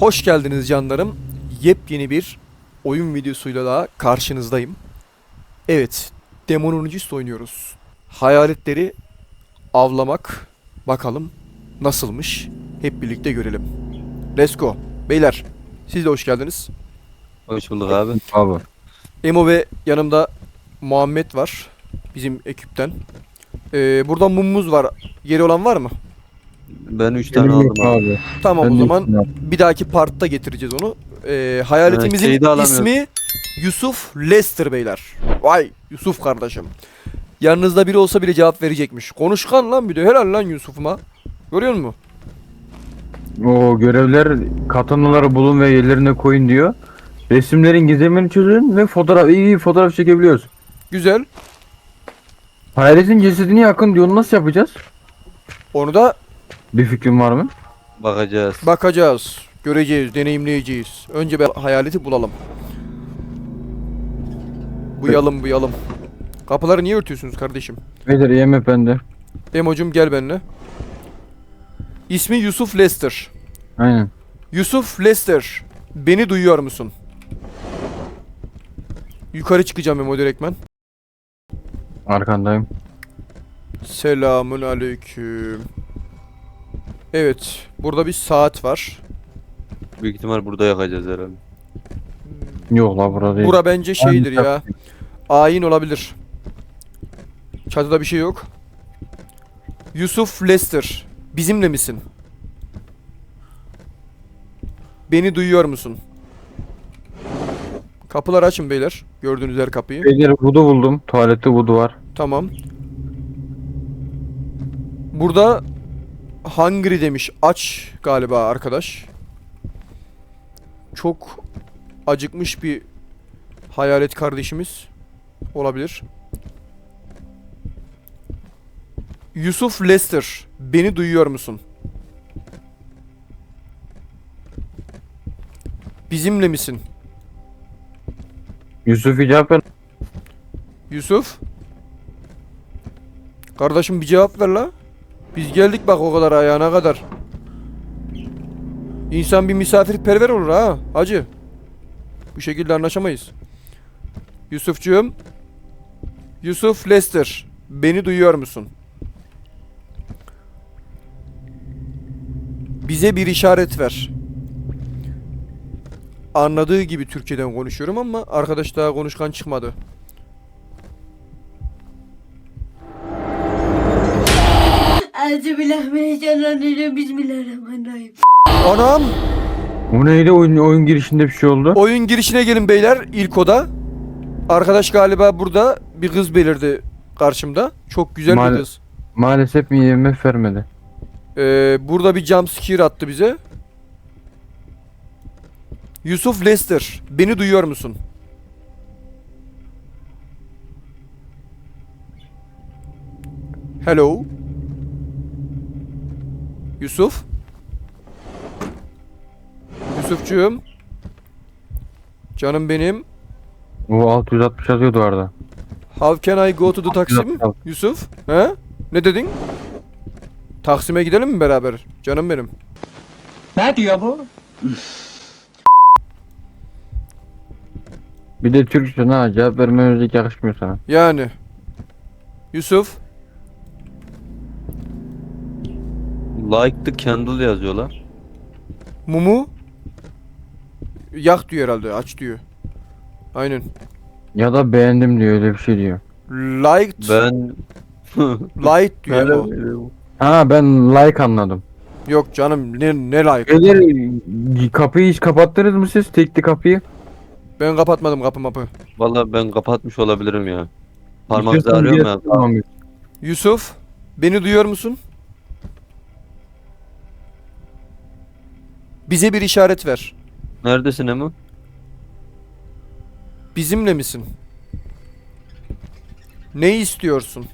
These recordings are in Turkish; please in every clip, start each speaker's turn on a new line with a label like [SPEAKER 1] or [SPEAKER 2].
[SPEAKER 1] Hoş geldiniz canlarım. Yepyeni bir oyun videosuyla daha karşınızdayım. Evet, Demonologist oynuyoruz. Hayaletleri avlamak bakalım nasılmış. Hep birlikte görelim. Let's go. Beyler, siz de hoş geldiniz.
[SPEAKER 2] Hoş bulduk abi.
[SPEAKER 3] Abi.
[SPEAKER 1] Emo ve yanımda Muhammed var. Bizim ekipten. Burada mumumuz var. Yeri olan var mı?
[SPEAKER 2] Ben 3 tane
[SPEAKER 3] Benim
[SPEAKER 2] aldım
[SPEAKER 3] yok
[SPEAKER 2] abi.
[SPEAKER 3] abi.
[SPEAKER 1] Tamam,
[SPEAKER 3] Ben
[SPEAKER 1] o
[SPEAKER 3] de
[SPEAKER 1] zaman
[SPEAKER 3] ikna.
[SPEAKER 1] bir dahaki partta getireceğiz onu. Hayaletimizin
[SPEAKER 2] şeyi de alamıyorum.
[SPEAKER 1] ismi Yusuf Lester beyler. Vay Yusuf kardeşim. Yanınızda biri olsa bile cevap verecekmiş. Konuşkan lan bir de, helal lan Yusuf'uma. Görüyor musun?
[SPEAKER 3] O görevler katanaları bulun ve yerlerine koyun diyor. Resimlerin gizemini çözün ve iyi fotoğraf çekebiliyoruz.
[SPEAKER 1] Güzel.
[SPEAKER 3] Hayaletin cesedini yakın diyor. Nasıl yapacağız?
[SPEAKER 1] Onu da
[SPEAKER 3] Bir fikrin var mı?
[SPEAKER 2] Bakacağız.
[SPEAKER 1] bakacağız. Göreceğiz, deneyimleyeceğiz. Önce bir hayaleti bulalım. Buyalım. Kapıları niye örtüyorsunuz kardeşim?
[SPEAKER 3] Beyler IMF bende.
[SPEAKER 1] Emocum gel benimle. İsmi Yusuf Lester.
[SPEAKER 3] Aynen.
[SPEAKER 1] Yusuf Lester, beni duyuyor musun? Yukarı çıkacağım Emo direktmen.
[SPEAKER 3] Arkandayım.
[SPEAKER 1] Selamun aleyküm. Evet, burada bir saat var.
[SPEAKER 2] Büyük ihtimal burada yakacağız herhalde.
[SPEAKER 3] Yok la burada değil.
[SPEAKER 1] Bura bence şeydir
[SPEAKER 3] Ben-
[SPEAKER 1] ya. Ayin olabilir. Çatıda bir şey yok. Yusuf Lester, bizimle misin? Beni duyuyor musun? Kapıları açın beyler. Gördüğünüz her kapıyı.
[SPEAKER 3] Beyler vudu buldum. Tuvalette vudu var.
[SPEAKER 1] Tamam. Burada hungry demiş. Aç galiba arkadaş. Çok acıkmış bir hayalet kardeşimiz olabilir. Yusuf Lester, beni duyuyor musun? Bizimle misin?
[SPEAKER 3] Yusuf cevap ver.
[SPEAKER 1] Yusuf? Kardeşim bir cevap ver la. Biz geldik bak o kadar ayağına kadar. İnsan bir misafirperver olur ha hacı. Bu şekilde anlaşamayız. Yusufcuğum. Yusuf Lester, beni duyuyor musun? Bize bir işaret ver. Anladığı gibi Türkçeden konuşuyorum ama arkadaş daha konuşkan çıkmadı.
[SPEAKER 4] Euzubillahimineşşeytanirracim. Bismillahirrahmanirrahim.
[SPEAKER 1] Anam!
[SPEAKER 3] Bu neydi oyun girişinde bir şey oldu.
[SPEAKER 1] Oyun girişine gelin beyler, ilk oda. Arkadaş galiba burada bir kız belirdi karşımda. Çok güzel bir kız.
[SPEAKER 3] Maalesef mi IMF vermedi.
[SPEAKER 1] Burada bir jumpscare attı bize. Yusuf Lester, beni duyuyor musun? Hello. Yusuf. Yusufcuğum. Canım benim.
[SPEAKER 3] O 660 yazıyordu orada.
[SPEAKER 1] How can I go to the Taksim? Yusuf. He? Ne dedin? Taksim'e gidelim mi beraber? Canım benim.
[SPEAKER 5] Ne diyor bu?
[SPEAKER 3] Bir de Türkçe ha cevap vermemiz yakışmıyor sana.
[SPEAKER 1] Yani. Yusuf.
[SPEAKER 2] Like the candle yazıyorlar.
[SPEAKER 1] Mumu. Yak diyor herhalde. Aç diyor. Aynen.
[SPEAKER 3] Ya da beğendim diyor öyle bir şey diyor.
[SPEAKER 1] Liked.
[SPEAKER 2] Ben
[SPEAKER 1] Light diyor o.
[SPEAKER 3] Ha ben like anladım.
[SPEAKER 1] Yok canım ne like.
[SPEAKER 3] Beyler kapıyı hiç kapattınız mı siz? Tekli kapıyı.
[SPEAKER 1] Ben kapatmadım kapı mapı.
[SPEAKER 2] Vallahi ben kapatmış olabilirim ya. Parmak
[SPEAKER 3] İstiyorsan
[SPEAKER 2] ağrıyor
[SPEAKER 3] bir
[SPEAKER 2] mu ya?
[SPEAKER 3] tamam.
[SPEAKER 1] Yusuf. Beni duyuyor musun? Bize bir işaret ver.
[SPEAKER 2] Neredesin Emo?
[SPEAKER 1] Bizimle misin? Ne istiyorsun?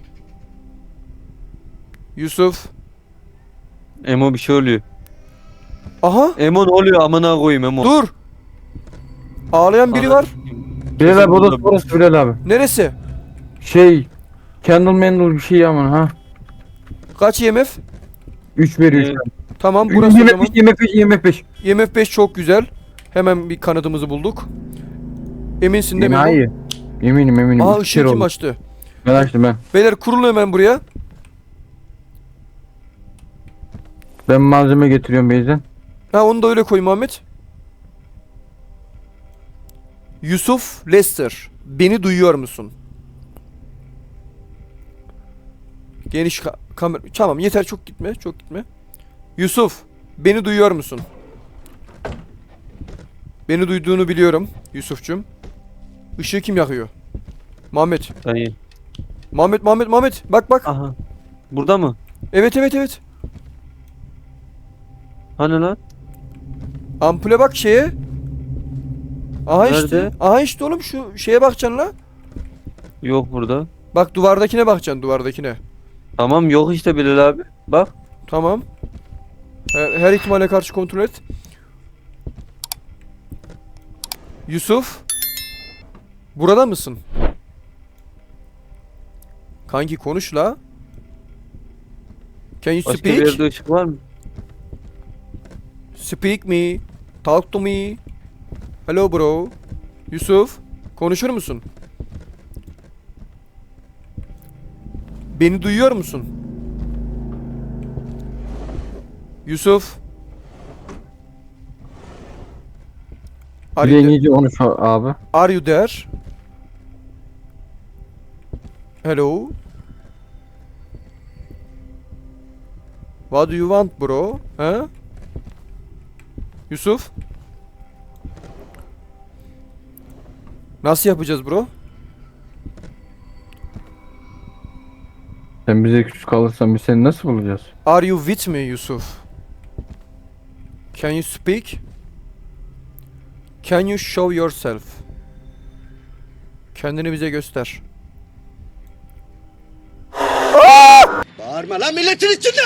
[SPEAKER 1] Yusuf.
[SPEAKER 2] Emo bir şey oluyor.
[SPEAKER 1] Aha.
[SPEAKER 2] Emo ne oluyor amına koyayım Emo.
[SPEAKER 1] Dur. Ağlayan biri var.
[SPEAKER 3] Bilal abi o da burası Bilal abi.
[SPEAKER 1] Neresi?
[SPEAKER 3] Candle Mandle bir şey ama ha.
[SPEAKER 1] Kaç IMF?
[SPEAKER 3] 3 veriyor.
[SPEAKER 2] Ee,
[SPEAKER 1] Tamam burası o zaman.
[SPEAKER 3] IMF 5 IMF 5.
[SPEAKER 1] IMF 5 çok güzel. Hemen bir kanadımızı bulduk. Eminsin değil mi?
[SPEAKER 3] Hayır. Eminim.
[SPEAKER 1] Aa
[SPEAKER 3] İki
[SPEAKER 1] ışığı
[SPEAKER 3] kere
[SPEAKER 1] kim
[SPEAKER 3] oldu.
[SPEAKER 1] açtı?
[SPEAKER 3] Ben açtım ben.
[SPEAKER 1] Beyler kurulun hemen buraya.
[SPEAKER 3] Ben malzeme getiriyorum Beyzen.
[SPEAKER 1] Ha onu da öyle koy Muhammed. Yusuf Lester. Beni duyuyor musun? Geniş kamera. Tamam yeter çok gitme. Çok gitme. Yusuf. Beni duyuyor musun? Beni duyduğunu biliyorum. Yusuf'cum. Işığı kim yakıyor? Muhammed.
[SPEAKER 2] Dayı.
[SPEAKER 1] Muhammed. Bak.
[SPEAKER 2] Aha. Burada mı?
[SPEAKER 1] Evet.
[SPEAKER 2] Hani lan?
[SPEAKER 1] Ampule bak şeye. Aha işte.
[SPEAKER 2] Nerede?
[SPEAKER 1] Aha işte oğlum şu şeye bakacaksın la.
[SPEAKER 2] Yok burada.
[SPEAKER 1] Bak duvardakine bakacaksın duvardakine.
[SPEAKER 2] Tamam yok işte Bilal abi. Bak.
[SPEAKER 1] Tamam. Her ihtimale karşı kontrol et. Yusuf. Burada mısın? Kanki konuş la. Can you
[SPEAKER 2] Başka bir
[SPEAKER 1] speak?
[SPEAKER 2] yerde ışık var mı?
[SPEAKER 1] Speak me. Talk to me. Hello bro. Yusuf. Konuşur musun? Beni duyuyor musun? Yusuf.
[SPEAKER 3] Bir
[SPEAKER 1] Are
[SPEAKER 3] de
[SPEAKER 1] you, there?
[SPEAKER 3] İngilizce konuş abi.
[SPEAKER 1] Are you there? Hello. What do you want bro? Ha? Yusuf. Nasıl yapacağız bro?
[SPEAKER 3] Sen bize küçük kalırsan biz seni nasıl bulacağız?
[SPEAKER 1] Are you with me Yusuf? Can you speak? Can you show yourself? Kendini bize göster.
[SPEAKER 6] Bağırma lan milletin içinde!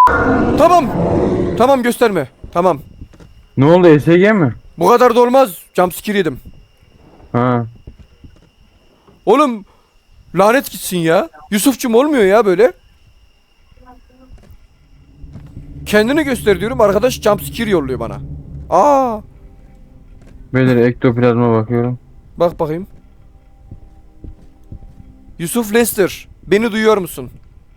[SPEAKER 1] Tamam gösterme. Tamam.
[SPEAKER 3] Ne oldu ESG mi?
[SPEAKER 1] Bu kadar da olmaz. Jumpscare yedim.
[SPEAKER 3] Ha.
[SPEAKER 1] Oğlum lanet gitsin ya. Yusufçum olmuyor ya böyle. Kendini göster diyorum. Arkadaş jumpscare yolluyor bana. Aa,
[SPEAKER 3] Beyler ektoplazma bakıyorum.
[SPEAKER 1] bak bakayım. Yusuf Lester, beni duyuyor musun?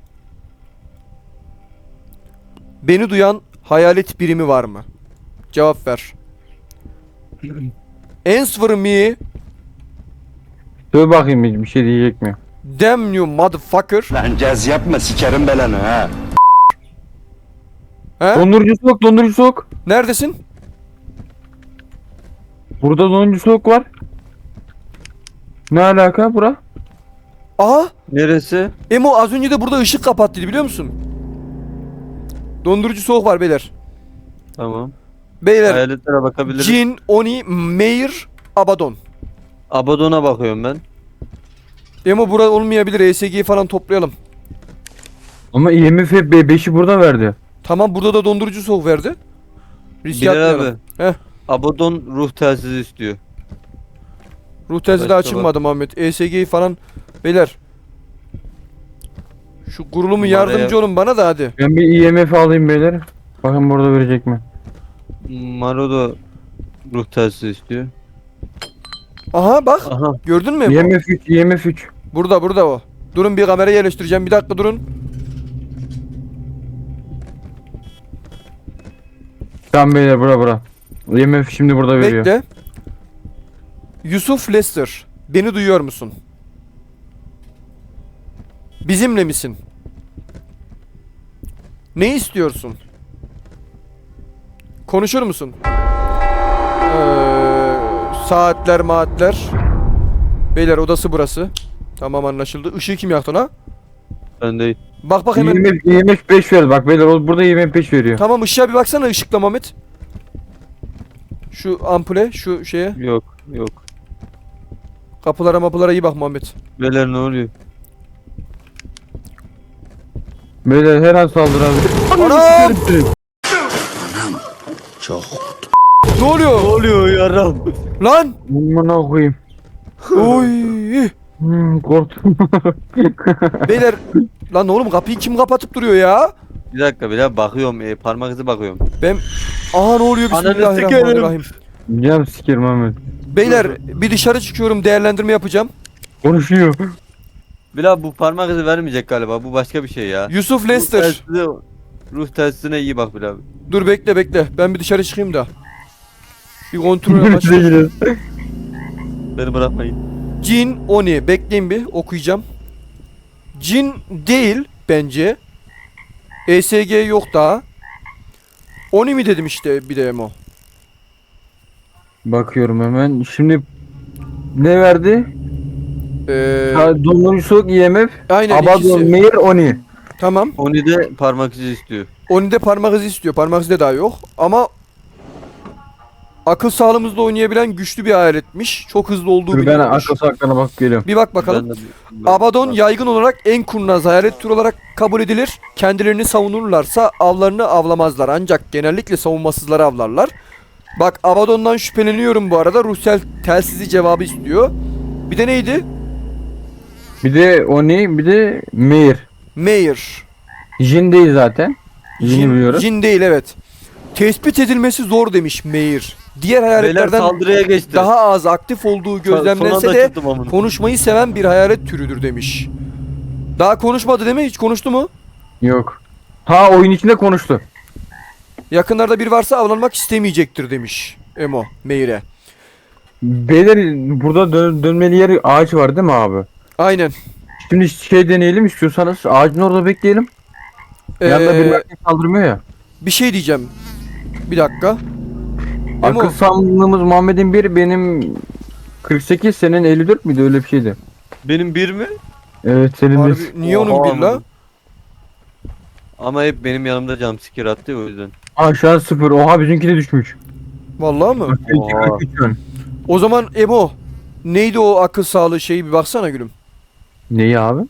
[SPEAKER 1] Beni duyan hayalet birimi var mı? Cevap ver. Answer me.
[SPEAKER 3] Söyle bakayım bir şey diyecek mi?
[SPEAKER 1] Damn you motherfucker.
[SPEAKER 6] Lan caz yapma sikerim belanı ha.
[SPEAKER 1] He?
[SPEAKER 3] Dondurucu soğuk.
[SPEAKER 1] Neredesin?
[SPEAKER 3] Burada dondurucu soğuk var. Ne alaka bura?
[SPEAKER 1] Aha.
[SPEAKER 2] Neresi?
[SPEAKER 1] Emo az önce de burada ışık kapattıydı biliyor musun? Dondurucu soğuk var beyler.
[SPEAKER 2] Tamam.
[SPEAKER 1] Beyler.
[SPEAKER 2] Hayaletlere bakabiliriz.
[SPEAKER 1] Jin, Oni, Meir, Abaddon.
[SPEAKER 2] Abaddon'a bakıyorum ben.
[SPEAKER 1] Emo burada olmayabilir. ESG'yi falan toplayalım.
[SPEAKER 3] Ama IMF 5'i burada verdi.
[SPEAKER 1] Tamam burada da dondurucu soğuk verdi. Risk
[SPEAKER 2] Bilal
[SPEAKER 1] atmayalım.
[SPEAKER 2] abi.
[SPEAKER 1] Heh.
[SPEAKER 2] Abaddon ruh telsizi istiyor.
[SPEAKER 1] Ruh telsizi de
[SPEAKER 2] Başka
[SPEAKER 1] açılmadı Muhammed. ESG'yi falan. Beyler. Şu kurulumu
[SPEAKER 2] Numaraya-
[SPEAKER 1] yardımcı olun bana da hadi.
[SPEAKER 3] Ben bir IMF alayım beyler. Bakın burada verecek mi?
[SPEAKER 2] Maro da ruh telsizi istiyor.
[SPEAKER 1] Aha bak.
[SPEAKER 2] Aha.
[SPEAKER 1] Gördün mü Emo?
[SPEAKER 3] IMF 3, IMF 3.
[SPEAKER 1] Burada o. Durun bir kamera yerleştireceğim. Bir dakika durun.
[SPEAKER 3] Tamam beyler bura. IMF şimdi burada veriyor.
[SPEAKER 1] Bekle. Yusuf Lester. Beni duyuyor musun? Bizimle misin? Ne istiyorsun? Konuşur musun? Saatler. Beyler odası burası. Tamam anlaşıldı. Işığı kim yaktı la?
[SPEAKER 2] Ben değil.
[SPEAKER 1] Bak hemen.
[SPEAKER 3] IMF 5 verdi bak beyler burada IMF 5 veriyor.
[SPEAKER 1] Tamam ışığa bir baksana ışıkla Mehmet. Şu ampule, şu şeye.
[SPEAKER 2] Yok.
[SPEAKER 1] Kapılara mapılara iyi bak Muhammed.
[SPEAKER 2] Beyler ne oluyor?
[SPEAKER 3] Beyler her an saldırabilir.
[SPEAKER 1] Anam!
[SPEAKER 6] Çok.
[SPEAKER 1] Ne oluyor?
[SPEAKER 2] oluyor yaram?
[SPEAKER 1] Lan!
[SPEAKER 3] Aman koyayım.
[SPEAKER 1] Oy!
[SPEAKER 3] Korktum.
[SPEAKER 1] Beyler lan oğlum kapıyı kim kapatıp duruyor ya?
[SPEAKER 2] Bir dakika bile bakıyorum. Parmak izi bakıyorum.
[SPEAKER 1] Ben... Aha ne oluyor?
[SPEAKER 2] Ananı
[SPEAKER 1] Bismillahirrahmanirrahim.
[SPEAKER 3] Cam sikerim Ahmet.
[SPEAKER 1] Beyler bir dışarı çıkıyorum, değerlendirme yapacağım.
[SPEAKER 3] Konuşuyor.
[SPEAKER 2] Bilal bu parmak izi vermeyecek galiba. Bu başka bir şey ya.
[SPEAKER 1] Yusuf Lester.
[SPEAKER 2] Ruh telsizine iyi bak Bilal.
[SPEAKER 1] Dur bekle. Ben bir dışarı çıkayım da. Bir kontrol
[SPEAKER 3] Birbirimize
[SPEAKER 1] amaçlı.
[SPEAKER 3] giriyoruz.
[SPEAKER 2] Beni bırakmayın.
[SPEAKER 1] Jin Oni. Bekleyin bir okuyacağım. Jin değil bence. ESG yok daha. Oni mi dedim işte bir de Emo.
[SPEAKER 3] Bakıyorum hemen. Şimdi ne verdi? Dondurucu IMF.
[SPEAKER 1] Aynen
[SPEAKER 3] Abadon,
[SPEAKER 1] ikisi.
[SPEAKER 3] Meir, Oni.
[SPEAKER 1] Tamam.
[SPEAKER 2] Onu de parmak izi istiyor.
[SPEAKER 1] Oni'de parmak izi istiyor. Parmak izi de daha yok. Ama akıl sağlığımızda oynayabilen güçlü bir aletmiş. Çok hızlı olduğu
[SPEAKER 3] Dur ben
[SPEAKER 1] biliniyormuş.
[SPEAKER 3] akıl saklarına bak geliyorum.
[SPEAKER 1] Bir bak bakalım.
[SPEAKER 2] Ben de-
[SPEAKER 1] Abaddon yaygın olarak en kurnaz hayalet türü olarak kabul edilir. Kendilerini savunurlarsa avlarını avlamazlar. Ancak genellikle savunmasızları avlarlar. Bak Abaddon'dan şüpheleniyorum bu arada. Ruhsel telsizi cevabı istiyor. Bir de neydi?
[SPEAKER 3] Bir de Oni, bir de Meir.
[SPEAKER 1] Meir.
[SPEAKER 3] Jin değil zaten. Jin'i biliyoruz.
[SPEAKER 1] Jin değil evet. Tespit edilmesi zor demiş Meir. Diğer
[SPEAKER 2] Beyler
[SPEAKER 1] hayaletlerden
[SPEAKER 2] saldırıya geçti.
[SPEAKER 1] daha az aktif olduğu gözlemlense
[SPEAKER 2] Son anda
[SPEAKER 1] de
[SPEAKER 2] çıktım amına.
[SPEAKER 1] konuşmayı seven bir hayalet türüdür demiş. Daha konuşmadı değil mi? Hiç konuştu mu?
[SPEAKER 3] Yok. Ha oyun içinde konuştu.
[SPEAKER 1] Yakınlarda biri varsa avlanmak istemeyecektir demiş Emo Meir'e.
[SPEAKER 3] Beyler burada dönmeli yer ağaç var değil mi abi?
[SPEAKER 1] Aynen.
[SPEAKER 3] Şimdi şey deneyelim istiyorsanız ağacın orada bekleyelim. Yanında
[SPEAKER 1] Ee,
[SPEAKER 3] bir kaldırmıyor ya.
[SPEAKER 1] bir şey diyeceğim. Bir dakika. Emo,
[SPEAKER 3] Akıl sağlığımız Muhammed'in 1 benim 48 senin 54 müydü öyle bir şeydi.
[SPEAKER 2] Benim bir mi?
[SPEAKER 3] Evet senin de.
[SPEAKER 1] harbi, niye onun
[SPEAKER 2] Oha
[SPEAKER 1] bir la?
[SPEAKER 2] amına. Ama hep benim yanımda jumpscare attı ya, o yüzden.
[SPEAKER 3] Aa şu an 0. Oha bizimki de düşmüş.
[SPEAKER 1] Vallahi mı?
[SPEAKER 2] Oha.
[SPEAKER 3] 43 şu an.
[SPEAKER 1] O zaman Emo neydi o akıl sağlığı şeyi bir baksana gülüm.
[SPEAKER 3] Neyi abi?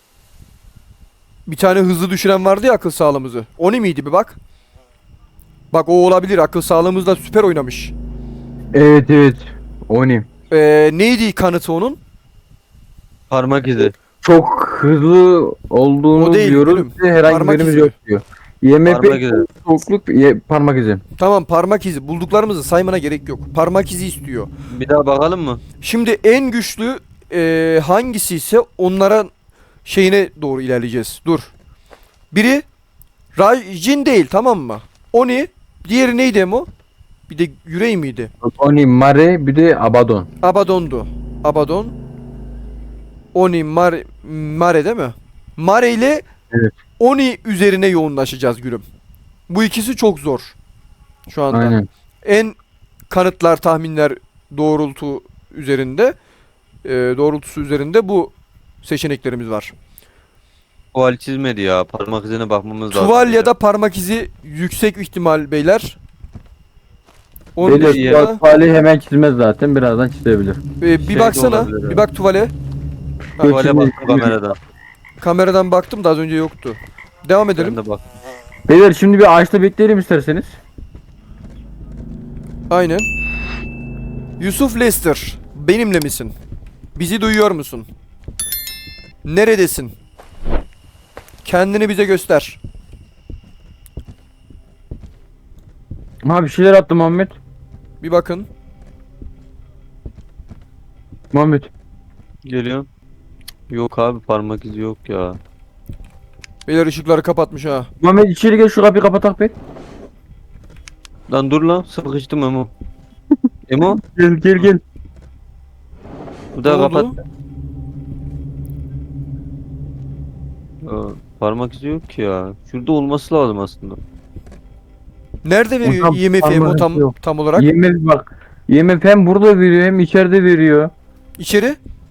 [SPEAKER 1] Bir tane hızlı düşüren vardı ya akıl sağlığımızı. O ne miydi bir bak. Bak o olabilir, akıl sağlığımızda süper oynamış.
[SPEAKER 3] Evet. Oni.
[SPEAKER 1] Neydi kanıtı onun?
[SPEAKER 2] Parmak izi.
[SPEAKER 3] Çok hızlı olduğunu
[SPEAKER 1] O değil,
[SPEAKER 3] diyoruz
[SPEAKER 1] gülüm.
[SPEAKER 3] ve herhangi
[SPEAKER 1] Parmak
[SPEAKER 3] birimiz
[SPEAKER 1] izi.
[SPEAKER 3] yok diyor.
[SPEAKER 2] Parmak
[SPEAKER 3] IMF
[SPEAKER 2] izi.
[SPEAKER 3] soğukluk parmak izi.
[SPEAKER 1] Tamam parmak izi. Bulduklarımızı saymana gerek yok. Parmak izi istiyor.
[SPEAKER 2] Bir daha bakalım mı?
[SPEAKER 1] Şimdi en güçlü hangisi ise onlara şeyine doğru ilerleyeceğiz. Dur. Biri Jin değil tamam mı? Oni. Diğeri neydi Emo? Bir de yüreği miydi?
[SPEAKER 3] Oni, Mare bir de Abadon.
[SPEAKER 1] Abaddon'du. Abaddon. Oni, Mare değil mi? Mare ile
[SPEAKER 3] Evet.
[SPEAKER 1] Oni üzerine yoğunlaşacağız gülüm. Bu ikisi çok zor. Şu anda.
[SPEAKER 3] Aynen.
[SPEAKER 1] En kanıtlar, tahminler doğrultusu üzerinde bu seçeneklerimiz var.
[SPEAKER 2] Tuval çizmedi ya. Parmak izine bakmamız lazım.
[SPEAKER 1] Tuval ya da parmak izi yüksek ihtimal beyler. Onun
[SPEAKER 3] Beyler
[SPEAKER 1] dışında,
[SPEAKER 3] tuvali hemen çizmez zaten birazdan çizebilir.
[SPEAKER 1] bir
[SPEAKER 2] Şey de
[SPEAKER 1] baksana,
[SPEAKER 2] olabilir ya.
[SPEAKER 1] bir bak tuvale.
[SPEAKER 2] Tuvale
[SPEAKER 3] Şimdi-
[SPEAKER 2] baktım kameradan.
[SPEAKER 1] Kameradan baktım da az önce yoktu. Devam edelim.
[SPEAKER 2] Ben de bak.
[SPEAKER 3] Beyler şimdi bir ağaçta bekleyelim isterseniz.
[SPEAKER 1] Aynen. Yusuf Lester, benimle misin? Bizi duyuyor musun? Neredesin? Kendini bize göster.
[SPEAKER 3] Ha bir şeyler attı Muhammed.
[SPEAKER 1] Bir bakın.
[SPEAKER 3] Muhammed.
[SPEAKER 2] Geliyorum. Yok abi, parmak izi yok ya.
[SPEAKER 1] Beyler ışıkları kapatmış ha.
[SPEAKER 3] Muhammed içeri gel şu kapıyı kapatak be.
[SPEAKER 2] Lan dur lan, sıkıştım Emo. Emo
[SPEAKER 3] Gel.
[SPEAKER 2] bu da
[SPEAKER 1] Ne oldu?
[SPEAKER 2] kapat. Parmak izi yok ki ya. Şurada olması lazım aslında.
[SPEAKER 1] Nerede veriyor
[SPEAKER 3] Hocam,
[SPEAKER 1] IMF Emo
[SPEAKER 3] parmak izi yok.
[SPEAKER 1] tam olarak?
[SPEAKER 3] IMF bak. IMF hem burada veriyor hem içeride veriyor.
[SPEAKER 1] İçeri.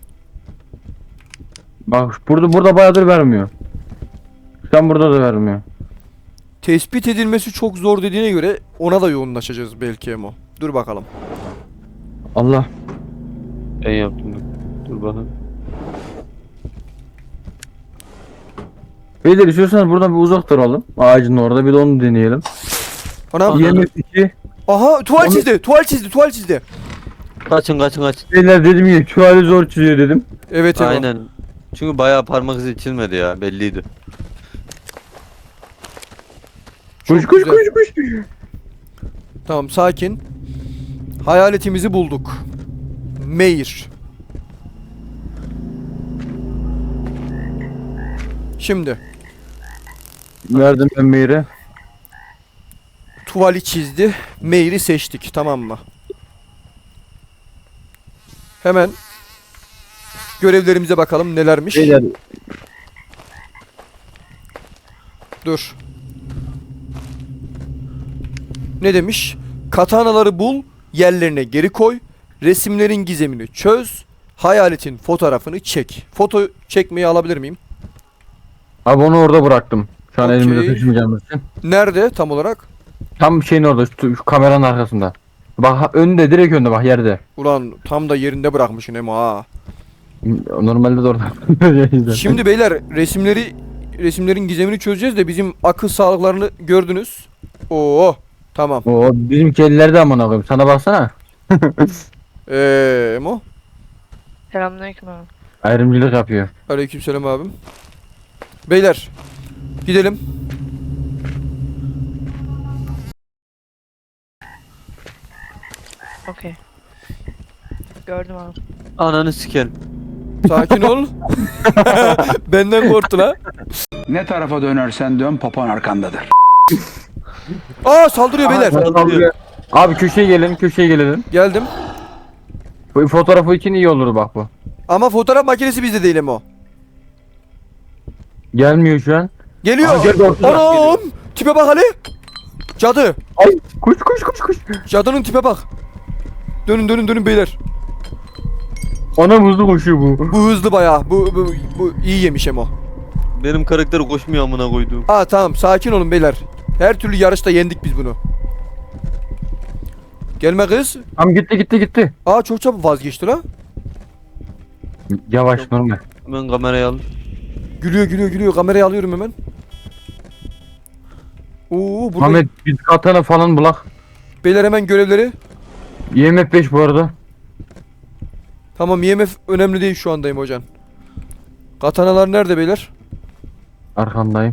[SPEAKER 3] Bak burada bayağıdır vermiyor. Şu an burada da vermiyor.
[SPEAKER 1] Tespit edilmesi çok zor dediğine göre ona da yoğunlaşacağız belki Emo. Dur bakalım.
[SPEAKER 3] Allah.
[SPEAKER 2] Ben yaptım. Dur bakalım.
[SPEAKER 3] Beyler istiyorsanız buradan bir uzak duralım. Ağacın orada bir de onu deneyelim.
[SPEAKER 1] Anam.
[SPEAKER 3] IMF 2.
[SPEAKER 1] Aha tuval
[SPEAKER 3] Onu-
[SPEAKER 1] çizdi. Tuval çizdi.
[SPEAKER 2] Kaçın.
[SPEAKER 3] Beyler dedim ya şu hali zor çiziyor dedim.
[SPEAKER 1] Evet Emo.
[SPEAKER 2] Aynen. Çünkü bayağı parmak izi çizmedi ya, belliydi.
[SPEAKER 1] Çok
[SPEAKER 3] Koş koş
[SPEAKER 1] güzel.
[SPEAKER 3] koş koş.
[SPEAKER 1] Tamam, sakin. Hayaletimizi bulduk. Meir. Şimdi
[SPEAKER 3] Verdim ben Meyr'e.
[SPEAKER 1] tuvali çizdi. Meir'i seçtik, tamam mı? Hemen görevlerimize bakalım nelermiş.
[SPEAKER 3] Beyler
[SPEAKER 1] Dur. Ne demiş? Katanaları bul, yerlerine geri koy. Resimlerin gizemini çöz. Hayaletin fotoğrafını çek. Foto çekmeyi alabilir miyim?
[SPEAKER 3] abi onu orada bıraktım. Şu an
[SPEAKER 1] Okey.
[SPEAKER 3] elimde taşımayacağım için.
[SPEAKER 1] Nerede tam olarak?
[SPEAKER 3] Tam şeyin orada şu kameranın arkasında. Bak önde direkt önde bak yerde.
[SPEAKER 1] Ulan tam da yerinde bırakmışsın Emo ha.
[SPEAKER 3] Normalde de orada.
[SPEAKER 1] Şimdi beyler resimlerin gizemini çözeceğiz de bizim akıl sağlıklarını gördünüz. Oo, tamam.
[SPEAKER 3] O bizimki ellerde amına koyayım. Sana baksana.
[SPEAKER 1] Emo.
[SPEAKER 7] Selamünaleyküm abi.
[SPEAKER 3] Ayrımcılık yapıyor.
[SPEAKER 1] Aleykümselam abim. Beyler gidelim.
[SPEAKER 7] Okey. Gördüm abi.
[SPEAKER 2] Ananı sikerim.
[SPEAKER 1] Sakin ol. Benden korktun ha.
[SPEAKER 5] Ne tarafa dönersen dön papan arkandadır.
[SPEAKER 1] Aa, saldırıyor beyler.
[SPEAKER 2] Saldırıyor.
[SPEAKER 3] Abi köşeye gelin, köşeye gelelim.
[SPEAKER 1] Geldim.
[SPEAKER 3] Bu fotoğrafı için iyi olur bak bu.
[SPEAKER 1] Ama fotoğraf makinesi bizde değil Emo.
[SPEAKER 3] Gelmiyor şu an.
[SPEAKER 1] Geliyor.
[SPEAKER 3] Aa, geldi ortada.
[SPEAKER 1] Anam. Tipe bak Ali. Cadı.
[SPEAKER 3] Ay koş koş koş koş.
[SPEAKER 1] Cadının tipe bak. Dönün dönün dönün beyler.
[SPEAKER 3] Anam hızlı koşuyor bu.
[SPEAKER 1] Bu hızlı bayağı. Bu iyi yemiş Emo.
[SPEAKER 2] Benim karakter koşmuyor amına koyduğum.
[SPEAKER 1] Aa, tamam, sakin olun beyler. Her türlü yarışta yendik biz bunu. Gelme kız.
[SPEAKER 3] Tam gitti gitti gitti.
[SPEAKER 1] Aa, çok çabuk vazgeçti la.
[SPEAKER 3] Yavaş normal.
[SPEAKER 2] Ben kamerayı al.
[SPEAKER 1] Gülüyor. Kamerayı alıyorum hemen. Oo, burada
[SPEAKER 3] Ahmet biz katana falan bulak.
[SPEAKER 1] beyler hemen görevleri.
[SPEAKER 3] IMF 5 bu arada.
[SPEAKER 1] Tamam, IMF önemli değil şu andayım hocam. Katanalar nerede beyler?
[SPEAKER 3] Arkandayım.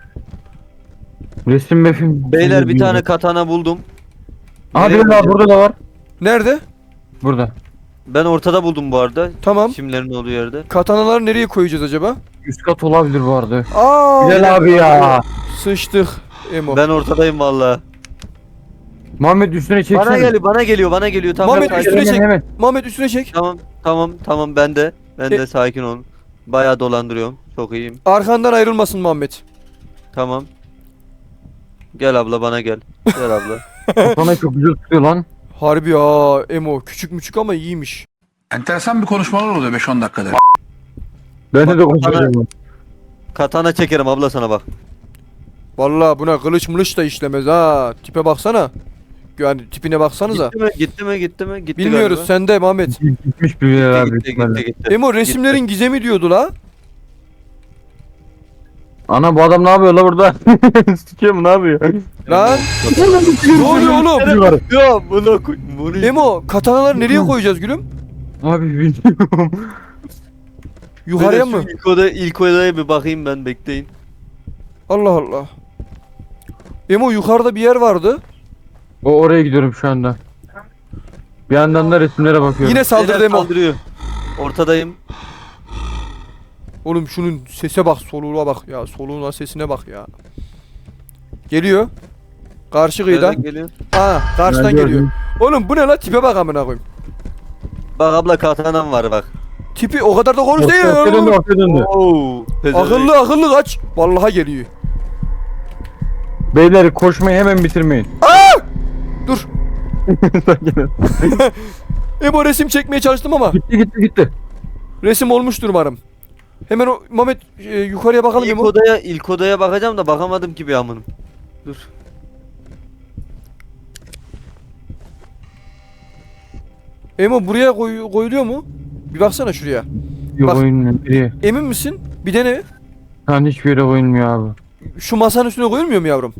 [SPEAKER 3] Resim mefim.
[SPEAKER 2] Beyler bir tane katana buldum.
[SPEAKER 3] Abi
[SPEAKER 2] Nereye
[SPEAKER 3] daha burada da var.
[SPEAKER 1] Nerede?
[SPEAKER 3] Burada.
[SPEAKER 2] Ben ortada buldum bu arada.
[SPEAKER 1] Tamam.
[SPEAKER 2] Çimlerin olduğu yerde.
[SPEAKER 1] Katanaları nereye koyacağız acaba?
[SPEAKER 3] Üst kat olabilir bu arada.
[SPEAKER 1] Aa,
[SPEAKER 3] Güzel abi ya.
[SPEAKER 1] sıçtık Emo.
[SPEAKER 2] Ben ortadayım valla.
[SPEAKER 3] Muhammed üstüne çeksene.
[SPEAKER 2] Bana geliyor. Tamam.
[SPEAKER 1] Muhammed
[SPEAKER 2] sakin.
[SPEAKER 1] üstüne çek.
[SPEAKER 3] Hemen.
[SPEAKER 1] Muhammed üstüne çek.
[SPEAKER 2] Tamam ben de. Ben
[SPEAKER 1] E-
[SPEAKER 2] de sakin ol. Bayağı dolandırıyorum. Çok iyiyim.
[SPEAKER 1] Arkandan ayrılmasın Muhammed.
[SPEAKER 2] Tamam. Gel abla bana gel. Gel abla.
[SPEAKER 3] Sana çok güzel tutuyor lan.
[SPEAKER 1] Harbi ya Emo, küçük müçük ama iyiymiş.
[SPEAKER 5] Enteresan bir konuşmalar oluyor 5-10 dakikada.
[SPEAKER 3] Ben de konuşuyorum.
[SPEAKER 2] Katana çekerim abla sana bak.
[SPEAKER 1] Vallahi buna kılıç mılıç da işlemez ha. Tipe baksana. Yani tipine baksanıza.
[SPEAKER 2] Gitti mi? Gitti
[SPEAKER 1] Bilmiyoruz,
[SPEAKER 2] galiba.
[SPEAKER 1] sende Muhammed.
[SPEAKER 3] Gitmiş bir yer abi.
[SPEAKER 2] Gitti.
[SPEAKER 1] Emo resimlerin gizemi diyordu la.
[SPEAKER 3] Ana bu adam ne yapıyor la burada? Sikiyor mu ne yapıyor?
[SPEAKER 1] Lan ne oluyor oğlum?
[SPEAKER 2] Ya buna koy. Bunu
[SPEAKER 1] Emo, katanaları nereye koyacağız gülüm?
[SPEAKER 3] Abi bilmiyorum.
[SPEAKER 1] Yukarıya mı?
[SPEAKER 2] İlk odaya bir bakayım ben bekleyin.
[SPEAKER 1] Allah Allah. Emo, yukarıda bir yer vardı.
[SPEAKER 3] O oraya gidiyorum şu anda. Bir yandan da resimlere bakıyorum.
[SPEAKER 1] Yine saldırdı
[SPEAKER 2] Beyler
[SPEAKER 1] Emo.
[SPEAKER 2] saldırıyor. Ortadayım.
[SPEAKER 1] Oğlum şunun sese bak, soluğuna bak ya. Soluğuna, sesine bak ya. Geliyor. Karşı kıyıdan.
[SPEAKER 2] Nereden geliyor?
[SPEAKER 1] Aa, karşıdan
[SPEAKER 3] Ben
[SPEAKER 1] geliyor.
[SPEAKER 3] gördüm.
[SPEAKER 1] Oğlum bu ne la, tipe bak amına koyayım.
[SPEAKER 2] Bak abla katanam var bak.
[SPEAKER 1] Tipi o kadar da konuş değil.
[SPEAKER 3] Ortaya döndü ortaya döndü.
[SPEAKER 2] Oo.
[SPEAKER 1] Akıllı kaç. Vallahi geliyor.
[SPEAKER 3] Beyler koşmayı hemen bitirmeyin.
[SPEAKER 1] Dur.
[SPEAKER 3] Sakin ol.
[SPEAKER 1] Emo, resim çekmeye çalıştım ama
[SPEAKER 3] gitti.
[SPEAKER 1] resim olmuştur umarım. Hemen o Mehmet yukarıya bakalım Emo.
[SPEAKER 2] İlk odaya bakacağım da bakamadım ki bir amınım. Dur.
[SPEAKER 1] Emo, buraya koyuluyor mu? Bir baksana şuraya.
[SPEAKER 3] Yok
[SPEAKER 1] Bak.
[SPEAKER 3] oyunmuyor. Biri.
[SPEAKER 1] Emin misin? Bir dene.
[SPEAKER 3] Hani hiçbir yere oyulmuyor abi.
[SPEAKER 1] Şu masanın üstüne koyulmuyor mu yavrum?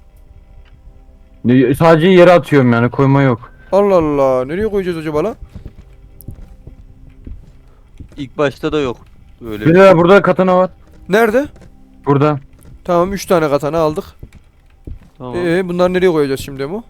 [SPEAKER 3] Sadece yere atıyorum yani koyma yok.
[SPEAKER 1] Allah Allah. Nereye koyacağız acaba la?
[SPEAKER 2] İlk başta da yok. Öyle.
[SPEAKER 3] Beyler burada katana var.
[SPEAKER 1] Nerede?
[SPEAKER 3] Burada.
[SPEAKER 1] Tamam, 3 tane katana aldık.
[SPEAKER 2] Tamam.
[SPEAKER 1] Bunları nereye koyacağız şimdi Emo?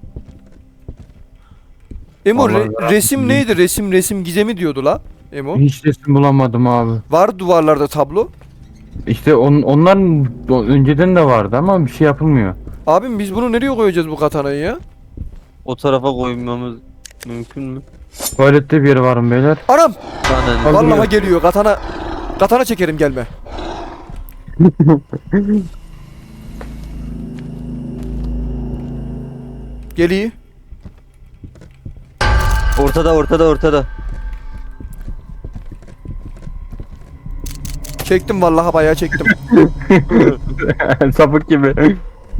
[SPEAKER 1] Emo
[SPEAKER 3] Vallahi merak
[SPEAKER 1] resim
[SPEAKER 3] ettim.
[SPEAKER 1] neydi? Resim gizemi diyordu la Emo.
[SPEAKER 3] Hiç resim bulamadım abi.
[SPEAKER 1] Var duvarlarda tablo.
[SPEAKER 3] İşte onların önceden de vardı ama bir şey yapılmıyor.
[SPEAKER 1] Abim biz bunu nereye koyacağız bu katanayı ya?
[SPEAKER 2] O tarafa koymamız mümkün mü?
[SPEAKER 3] Tuvalette bir yeri varım beyler.
[SPEAKER 1] Anam!
[SPEAKER 2] Aynen.
[SPEAKER 3] Abi-
[SPEAKER 1] Vallahi geliyor katana. Katana çekerim gelme. Geliyor.
[SPEAKER 2] Ortada.
[SPEAKER 1] Çektim vallahi bayağı çektim.
[SPEAKER 3] Sapık gibi.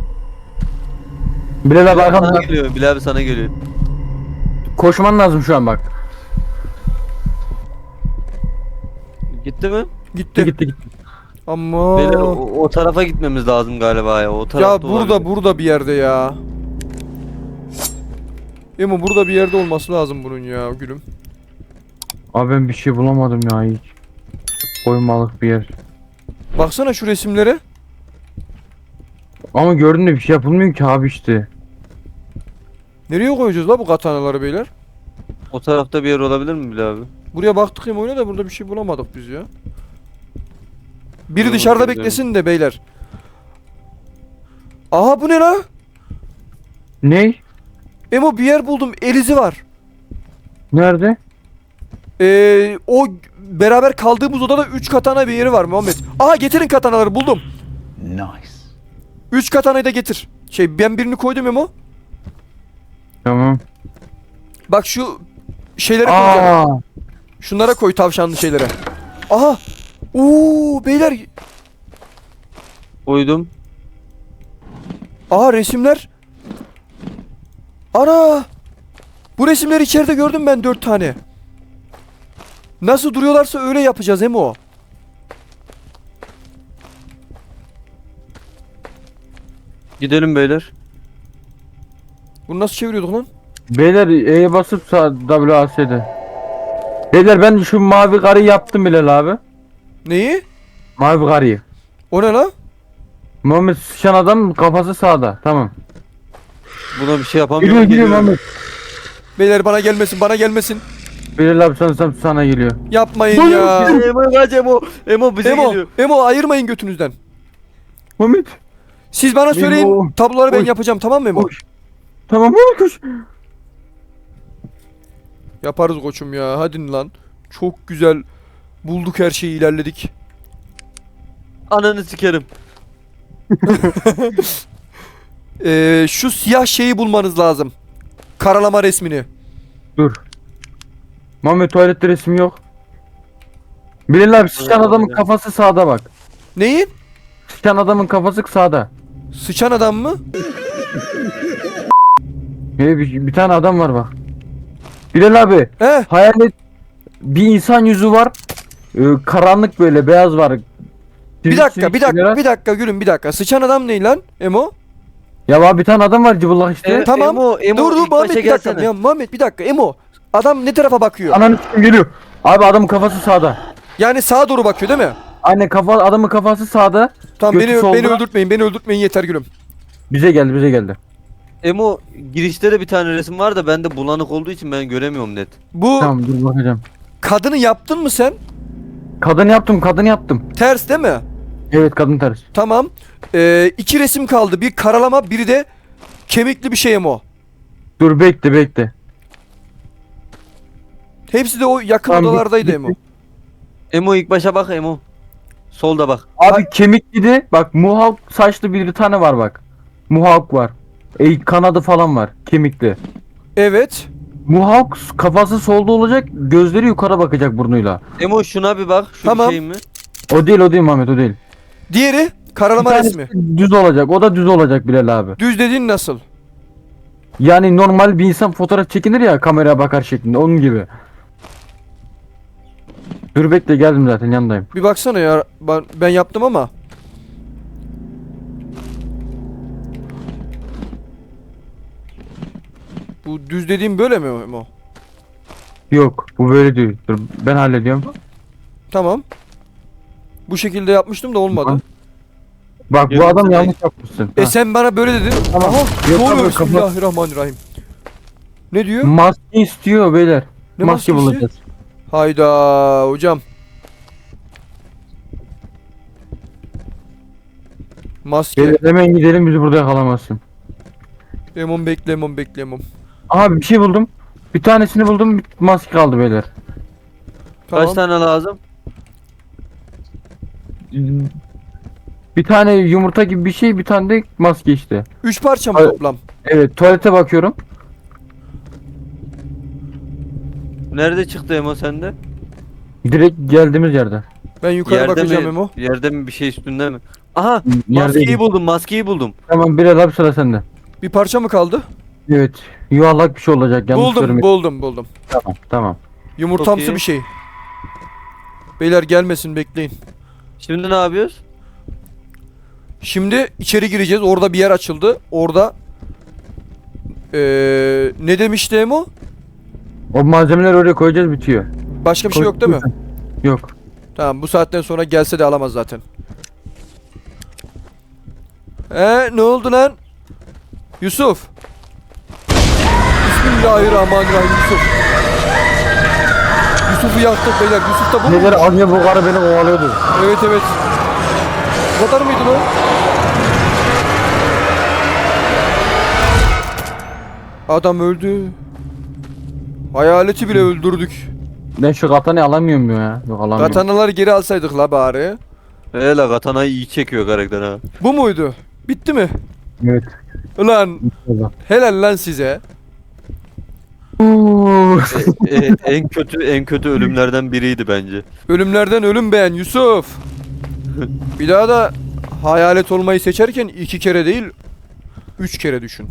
[SPEAKER 3] Bilal abi
[SPEAKER 2] Sana
[SPEAKER 3] arkamda.
[SPEAKER 2] geliyor. Bilal abi sana geliyor.
[SPEAKER 3] Koşman lazım şu an bak.
[SPEAKER 2] Gitti mi?
[SPEAKER 1] Gitti.
[SPEAKER 3] Gitti.
[SPEAKER 1] Ama
[SPEAKER 2] Beyler o tarafa gitmemiz lazım galiba ya. O
[SPEAKER 1] ya
[SPEAKER 2] tarafta
[SPEAKER 1] burada
[SPEAKER 2] olabilir.
[SPEAKER 1] burada bir yerde ya. Emo burada bir yerde olması lazım bunun ya gülüm.
[SPEAKER 3] Abi ben bir şey bulamadım ya hiç. Koymalık bir yer.
[SPEAKER 1] Baksana şu resimlere.
[SPEAKER 3] Ama gördün de bir şey yapılmıyor ki abi işte.
[SPEAKER 1] Nereye koyacağız la bu katanaları beyler?
[SPEAKER 2] O tarafta bir yer olabilir mi Bilal abi?
[SPEAKER 1] Buraya baktık ya oyuna da burada bir şey bulamadık biz ya. Biri
[SPEAKER 2] Yok,
[SPEAKER 1] dışarıda
[SPEAKER 2] güzel.
[SPEAKER 1] beklesin de beyler. Aha bu ne la?
[SPEAKER 3] Ne?
[SPEAKER 1] Emo bir yer buldum. Elizi var.
[SPEAKER 3] Nerede?
[SPEAKER 1] O beraber kaldığımız odada 3 katana bir yeri var Muhammed. Aha getirin katanaları buldum.
[SPEAKER 5] Nice.
[SPEAKER 1] 3 katanayı da getir. Ben birini koydum Emo.
[SPEAKER 3] Tamam.
[SPEAKER 1] Bak şu şeylere koyacağım.
[SPEAKER 3] Aa,
[SPEAKER 1] Şunlara koy tavşanlı şeylere. Aha. Oo beyler.
[SPEAKER 2] Koydum.
[SPEAKER 1] Aha resimler. Ana. Bu resimleri içeride gördüm ben 4 tane. Nasıl duruyorlarsa öyle yapacağız Emo.
[SPEAKER 2] Gidelim beyler.
[SPEAKER 1] Bunu nasıl çeviriyorduk lan?
[SPEAKER 3] beyler E'ye basıp sağ WAS'de. Beyler ben şu mavi karıyı yaptım Bilal abi.
[SPEAKER 1] Neyi?
[SPEAKER 3] Mavi karıyı.
[SPEAKER 1] O ne la?
[SPEAKER 3] Muhammed sıçan adam kafası sağda. Tamam.
[SPEAKER 2] Buna bir şey yapamıyorum.
[SPEAKER 3] Geliyor
[SPEAKER 2] Geliyorum.
[SPEAKER 3] Muhammed.
[SPEAKER 1] Beyler bana gelmesin bana gelmesin.
[SPEAKER 3] Bilal abi sana geliyor.
[SPEAKER 1] Yapmayın ya.
[SPEAKER 2] Emo kaç Emo. Emo bize
[SPEAKER 1] Emo,
[SPEAKER 2] geliyor.
[SPEAKER 1] Emo ayırmayın götünüzden.
[SPEAKER 3] Muhammed.
[SPEAKER 1] Siz bana söyleyin
[SPEAKER 3] Emo.
[SPEAKER 1] tabloları ben
[SPEAKER 3] Oy.
[SPEAKER 1] yapacağım tamam mı Emo?
[SPEAKER 3] Koş. Tamam Muhammed koş.
[SPEAKER 1] Yaparız koçum ya hadi lan. Çok güzel bulduk her şeyi ilerledik.
[SPEAKER 2] Ananı sikerim.
[SPEAKER 1] Şu siyah şeyi bulmanız lazım. Karalama resmini.
[SPEAKER 3] Dur. Muhammed tuvalette resim yok. Bilal abi sıçan adamın kafası sağda bak.
[SPEAKER 1] Neyi?
[SPEAKER 3] Sıçan adamın kafası sağda.
[SPEAKER 1] Sıçan adam mı?
[SPEAKER 3] Bir tane adam var bak. Bilal abi
[SPEAKER 1] He?
[SPEAKER 3] hayalet bir insan yüzü var. Karanlık böyle beyaz var.
[SPEAKER 1] Bir dakika gülüm bir dakika. Sıçan adam ne lan Emo?
[SPEAKER 3] Ya abi bir tane adam var cıbıldak işte.
[SPEAKER 1] Tamam.
[SPEAKER 2] Emo
[SPEAKER 1] Dur
[SPEAKER 2] ilk
[SPEAKER 1] Muhammed
[SPEAKER 2] başa
[SPEAKER 1] bir dakika.
[SPEAKER 2] gelsene.
[SPEAKER 1] Ya Muhammed bir dakika Emo. Adam ne tarafa bakıyor?
[SPEAKER 3] Ananı s**eyim geliyor. Abi adamın kafası sağda.
[SPEAKER 1] Yani sağa doğru bakıyor değil mi?
[SPEAKER 3] Aynen adamın kafası sağda.
[SPEAKER 1] Tamam
[SPEAKER 3] Götü
[SPEAKER 1] beni
[SPEAKER 3] solda.
[SPEAKER 1] öldürtmeyin yeter gülüm.
[SPEAKER 3] Bize geldi.
[SPEAKER 2] Emo girişte de bir tane resim var da bende bulanık olduğu için ben göremiyorum net.
[SPEAKER 1] Bu
[SPEAKER 3] Tamam dur bakacağım.
[SPEAKER 1] kadını yaptın mı sen?
[SPEAKER 3] Kadını yaptım.
[SPEAKER 1] Ters değil mi?
[SPEAKER 3] Evet kadın ters.
[SPEAKER 1] Tamam. 2 resim kaldı. Bir karalama, biri de kemikli bir şey Emo.
[SPEAKER 3] Dur bekle.
[SPEAKER 1] Hepsi de o yakın
[SPEAKER 3] Tamam,
[SPEAKER 1] odalardaydı
[SPEAKER 3] bitti.
[SPEAKER 1] Emo.
[SPEAKER 2] Emo ilk başa bak Emo. Solda bak.
[SPEAKER 3] Abi kemikliydi. Bak muhawk saçlı bir tane var bak. Muhawk var. Kanadı falan var. Kemikli.
[SPEAKER 1] Evet.
[SPEAKER 3] Muhawk kafası solda olacak. Gözleri yukarı bakacak burnuyla.
[SPEAKER 2] Emo şuna bir bak. Şu
[SPEAKER 1] Tamam.
[SPEAKER 2] bir şey mi?
[SPEAKER 3] O değil Muhammed o değil.
[SPEAKER 1] Diğeri
[SPEAKER 3] Bir
[SPEAKER 1] karalama
[SPEAKER 3] tanesi
[SPEAKER 1] resmi.
[SPEAKER 3] düz olacak. O da düz olacak Bilal abi.
[SPEAKER 1] Düz dediğin nasıl?
[SPEAKER 3] Yani normal bir insan fotoğraf çekinir ya kameraya bakar şeklinde. Onun gibi. Dur bekle geldim zaten yanındayım.
[SPEAKER 1] Bir baksana ya. Ben yaptım ama. Bu düz dediğim böyle mi Emo?
[SPEAKER 3] Yok bu böyle değil. Dur ben hallediyorum.
[SPEAKER 1] Tamam. Bu şekilde yapmıştım da olmadı.
[SPEAKER 3] Bak bu
[SPEAKER 2] Yemin
[SPEAKER 3] adam
[SPEAKER 2] ederim.
[SPEAKER 3] yanlış yapmışsın.
[SPEAKER 1] E
[SPEAKER 3] Ha.
[SPEAKER 1] sen bana böyle dedin.
[SPEAKER 3] Tamam.
[SPEAKER 1] Aha,
[SPEAKER 3] Yok
[SPEAKER 1] ne
[SPEAKER 3] abi,
[SPEAKER 1] oluyor?
[SPEAKER 3] kapat.
[SPEAKER 1] Bismillahirrahmanirrahim. Ne diyor?
[SPEAKER 3] Maske istiyor beyler.
[SPEAKER 1] Ne
[SPEAKER 3] Maske
[SPEAKER 1] maskesi?
[SPEAKER 3] bulacağız.
[SPEAKER 1] Hayda hocam. Maske.
[SPEAKER 3] Beyler hemen gidelim, bizi burada yakalamazsın.
[SPEAKER 1] Lemon bekle, lemon bekle, lemon.
[SPEAKER 3] Aha bir şey buldum. Bir tanesini buldum, bir maske kaldı beyler.
[SPEAKER 1] Tamam.
[SPEAKER 2] Kaç tane lazım?
[SPEAKER 3] Bir tane yumurta gibi bir şey, bir tane de maske işte.
[SPEAKER 1] 3 parça mı
[SPEAKER 3] Ay-
[SPEAKER 1] toplam?
[SPEAKER 3] Evet, tuvalete bakıyorum.
[SPEAKER 2] Nerede çıktı Emo sende?
[SPEAKER 3] Direkt geldiğimiz yerde.
[SPEAKER 1] Ben yukarı bakacağım
[SPEAKER 2] mi?
[SPEAKER 1] Memo.
[SPEAKER 2] Yerde mi bir şey üstünde mi? Aha
[SPEAKER 3] Yerdeydi.
[SPEAKER 2] maskeyi buldum, maskeyi buldum.
[SPEAKER 3] Tamam, bir abi sıra sende.
[SPEAKER 1] Bir parça mı kaldı?
[SPEAKER 3] Evet. Yuvarlak bir şey olacak, yanlış
[SPEAKER 1] Buldum,
[SPEAKER 3] görmedim.
[SPEAKER 1] buldum.
[SPEAKER 3] Tamam, tamam.
[SPEAKER 1] Yumurtamsı
[SPEAKER 2] Çok iyi.
[SPEAKER 1] bir şey. Beyler gelmesin, bekleyin.
[SPEAKER 2] Şimdi ne yapıyoruz?
[SPEAKER 1] Şimdi içeri gireceğiz. Orada bir yer açıldı. Orada ne demişti Emo?
[SPEAKER 3] O malzemeleri oraya koyacağız, bitiyor.
[SPEAKER 1] Başka bir şey yok değil mi?
[SPEAKER 3] Yok.
[SPEAKER 1] Tamam, bu saatten sonra gelse de alamaz zaten. Ne oldu lan? Yusuf. Bismillahirrahmanirrahim Yusuf. Yusuf'u yaktık beyler. Yusuf da bu mu?
[SPEAKER 3] Neler, az önce bu karı beni kovalıyordu.
[SPEAKER 1] Evet evet. Bu kadar mıydı lan? Adam öldü. Hayaleti bile öldürdük.
[SPEAKER 3] Ben şu katanı alamıyorum ya. Yok, alamıyorum.
[SPEAKER 1] Katanaları geri alsaydık la bari.
[SPEAKER 2] Hele katanayı iyi çekiyor karakter ha.
[SPEAKER 1] Bu muydu? Bitti mi?
[SPEAKER 3] Evet.
[SPEAKER 1] Ulan helal lan size.
[SPEAKER 2] En kötü ölümlerden biriydi bence.
[SPEAKER 1] Ölümlerden ölüm beğen Yusuf. Bir daha da hayalet olmayı seçerken 2 kere değil 3 kere düşün.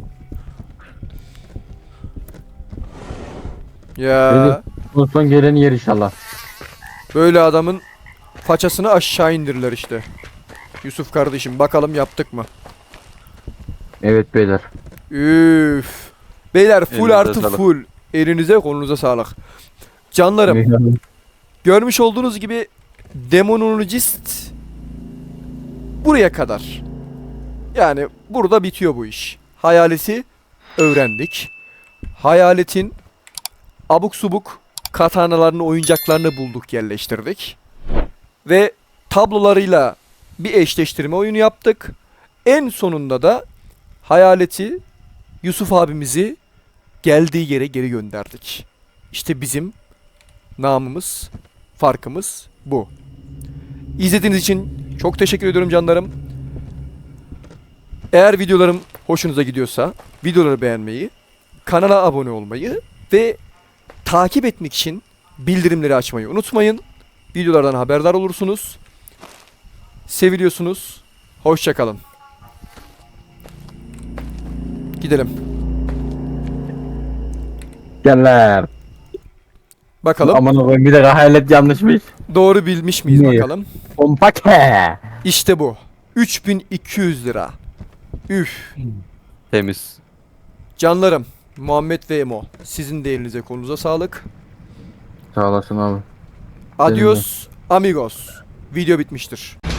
[SPEAKER 1] Ya
[SPEAKER 3] Son geleni yer inşallah.
[SPEAKER 1] böyle adamın façasını aşağı indirirler işte. Yusuf kardeşim bakalım yaptık mı?
[SPEAKER 3] Evet beyler.
[SPEAKER 1] Üf. Beyler full
[SPEAKER 2] Elinize
[SPEAKER 1] artı
[SPEAKER 2] sağlık.
[SPEAKER 1] full. Elinize kolunuza sağlık. Canlarım görmüş olduğunuz gibi Demonologist buraya kadar. Yani burada bitiyor bu iş. Hayaleti öğrendik. Hayaletin abuk subuk katanalarını, oyuncaklarını bulduk, yerleştirdik. Ve tablolarıyla bir eşleştirme oyunu yaptık. En sonunda da hayaleti, Yusuf abimizi geldiği yere geri gönderdik. İşte bizim namımız, farkımız bu. İzlediğiniz için çok teşekkür ediyorum canlarım. Eğer videolarım hoşunuza gidiyorsa videoları beğenmeyi, kanala abone olmayı ve takip etmek için bildirimleri açmayı unutmayın. Videolardan haberdar olursunuz. Seviliyorsunuz. Hoşça kalın. Gidelim.
[SPEAKER 3] Geller.
[SPEAKER 1] Bakalım
[SPEAKER 3] Aman Allah'ım, bir de hayalet yanlışmış.
[SPEAKER 1] doğru bilmiş miyiz
[SPEAKER 3] Ne?
[SPEAKER 1] bakalım.
[SPEAKER 3] Pompake.
[SPEAKER 1] İşte bu. 3200 lira. Üf.
[SPEAKER 2] Temiz.
[SPEAKER 1] Canlarım, Muhammed ve Emo, sizin de elinize kolunuza sağlık.
[SPEAKER 3] Sağ olasın abi.
[SPEAKER 1] Adios amigos. Video bitmiştir.